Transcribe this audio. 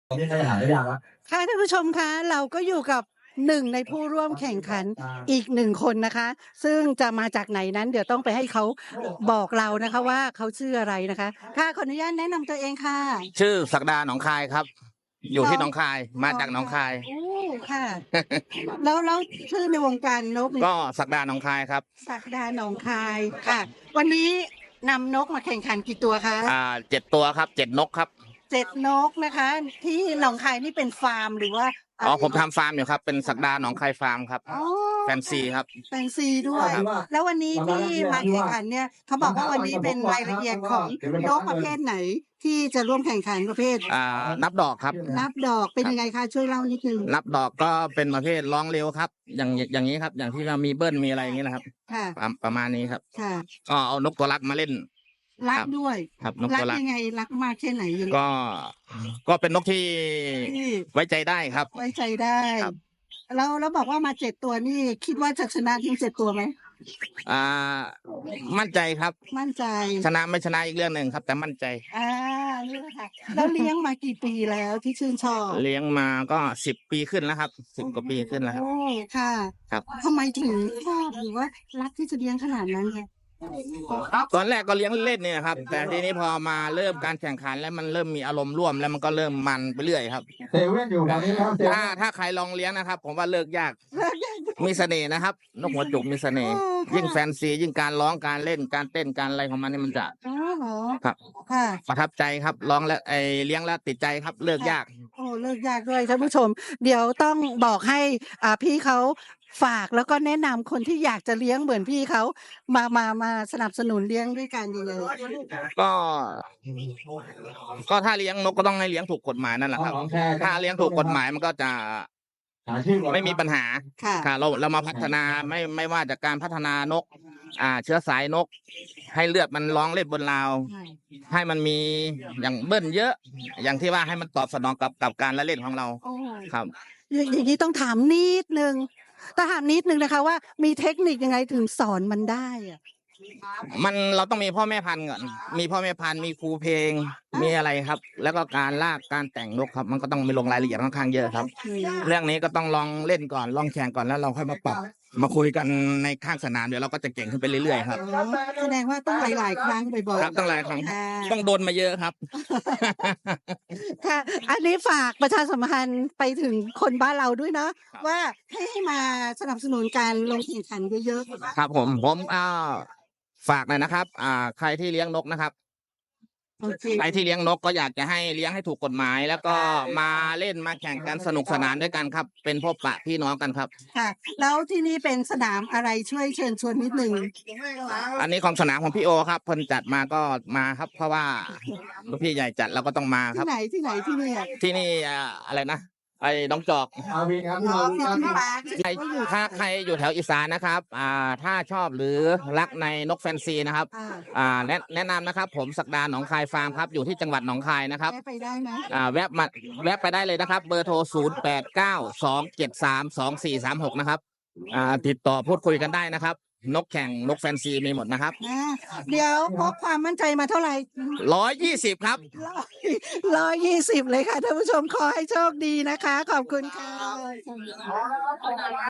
นี่ใครหาได้ยังวะค่ะท่านผู้ชมคะเราก็อยู่กับหนึ่งในผู้ร่วมแข่งขันอีกหนึ่งคนนะคะ ซึ่งจะมาจากไหนนั้นเดี๋ยวต้องไปให้เขาบอกเรานะคะว่าเขาชื่ออะไรนะคะค่ะขออนุญาตแนะนำตัวเองค่ะชื่อศักดาหนองคายครับ อยู่ที่หนองคายมาจากหนองคายโอ้ค่ะ แล้วชื่อในวงการนกนี่ก็ศักดาหนองคายครับศักดาหนองคายค่ะ วันนี้นำนกมาแข่งขันกี่ตัวคะ 7 ตัวครับ7 นกครับ 7 นกนะคะ ที่หนองคายนี่เป็นฟาร์มหรือว่าผมทำฟาร์มอยู่ครับเป็นศักดาหนองคายฟาร์มครับแฟนซีครับแฟนซีด้วย แล้ววันนี้ที่มาแข่งขันเนี่ยเขาบอกว่าวันนี้เป็นรายละเอียดของนกประเภทไหนที่จะร่วมแข่งขันประเภทนับดอกครับนับดอกเป็นยังไงคะช่วยเล่านิดนึงนับดอกก็เป็นประเภทร้องเร็วครับ อย่างนี้ครับ อย่างที่เรามีเบิ้ลมีอะไรอย่างนี้นะครับค่ะประมาณนี้ครับค่ะก็เอานกตัวรักมาเล่นรักด้วยครับนกตัวรักยังไงรักมากแค่ไหนยังก็เป็นนกที่ไว้ใจได้ครับไว้ใจได้แล้วบอกว่ามา7 ตัวนี่คิดว่าจะชนะทั้ง7 ตัวไหมมั่นใจครับมั่นใจชนะไม่ชนะอีกเรื่องหนึ่งครับ แต่มั่นใจนี่แหละค่ะแล้วเลี้ยงมากี่ปีแล้วที่ชื่นชอบเลี้ยงมาก็10 ปีขึ้นแล้วครับ10 กว่าปีขึ้นแล้วครับโอ้ค่ะครับทำไมถึงชอบหรือว่ารักที่จะเลี้ยงขนาดนั้นไงตอนแรกก็เลี้ยงเล่นเนี่ยครับแต่ทีนี้พอมาเริ่มการแข่งขันแล้วมันเริ่มมีอารมณ์ร่วมแล้วมันก็เริ่มมันไปเรื่อยครับเซเว่นอยู่แบบนี้ครับถ้าใครลองเลี้ยงนะครับผมว่าเลิกยากมีเสน่ห์นะครับนกหัวจุกมีเสน่ห์ยิ่งแฟนซียิ่งการร้องการเล่นการเต้นการอะไรของมันนี่มันจะครับประทับใจครับร้องแล้วเลี้ยงแล้วติดใจครับเลิกยากโอ้เลิกยากด้วยท่านผู้ชมเดี๋ยวต้องบอกให้พี่เขาฝากแล้วก็แนะนำคนที่อยากจะเลี้ยงเหมือนพี่เขามาสนับสนุนเลี้ยงด้วยกันยังไงก็ถ้าเลี้ยงนกก็ต้องให้เลี้ยงถูกกฎหมายนั่นแหละครับถ้าเลี้ยงถูกกฎหมายมันก็จะไม่มีปัญหาค่ะเรามาพัฒนาไม่ว่าจากการพัฒนานกเชื้อสายนกให้เลือดมันร้องเล่นบนราวให้มันมีอย่างเบิ้ลเยอะอย่างที่ว่าให้มันตอบสนองกับการละเล่นของเราครับอย่างนี้ต้องถามนิดนึงนะคะว่ามีเทคนิคยังไงถึงสอนมันได้อะเราต้องมีพ่อแม่พันธุ์ก่อนมีพ่อแม่พันธุ์มีครูเพลงมีอะไรครับ แล้วก็การลากการแต่งนกครับมันก็ต้องมีลงรายละเอียดค่อนข้างเยอะครับเรื่องนี้ก็ต้องลองเล่นก่อนลองแข่งก่อนแล้วเราค่อยมาปรับมาคุยกันในข้างสนามเดี๋ยวเราก็จะเก่งขึ้นไปเรื่อยๆครับแสดงว่าต้องหลายๆครั้งบ่อยๆครับต้องหลายครั้งต้องโดนมาเยอะครับค่ะอันนี้ฝากประชาสัมพันธ์ไปถึงคนบ้านเราด้วยเนาะว่าให้มาสนับสนุนการลงแข่งขันเยอะๆครับผมฝากหน่อยนะครับใครที่เลี้ยงนกนะครับใครที่เลี้ยงนกก็อยากจะให้เลี้ยงให้ถูกกฎหมายแล้วก็มาเล่นมาแข่งกันสนุกสนานด้วยกันครับเป็นพบปะพี่น้องกันครับค่ะแล้วที่นี่เป็นสนามอะไรช่วยเชิญชวนนิดนึงอันนี้ของสนามของพี่โอครับเพิ่นจัดมาก็มาครับเพราะว่าพี่ใหญ่จัดเราก็ต้องมาครับที่ไหนที่นี่อะไรนะน้องจอกถ้าใครอยู่แถวอีสานนะครับถ้าชอบหรือรักในนกแฟนซีนะครับแนะนำนะครับผมศักดาหนองคายฟาร์มครับอยู่ที่จังหวัดหนองคายนะครับไปได้ไหมแวะไปได้เลยนะครับเบอร์โทร0892732436นะครับติดต่อพูดคุยกันได้นะครับนกแข่งนกแฟนซีมีหมดนะครับเดี๋ยวพกความมั่นใจมาเท่าไหร่ 120ครับ 120เลยค่ะท่านผู้ชมขอให้โชคดีนะคะขอบคุณค่ะ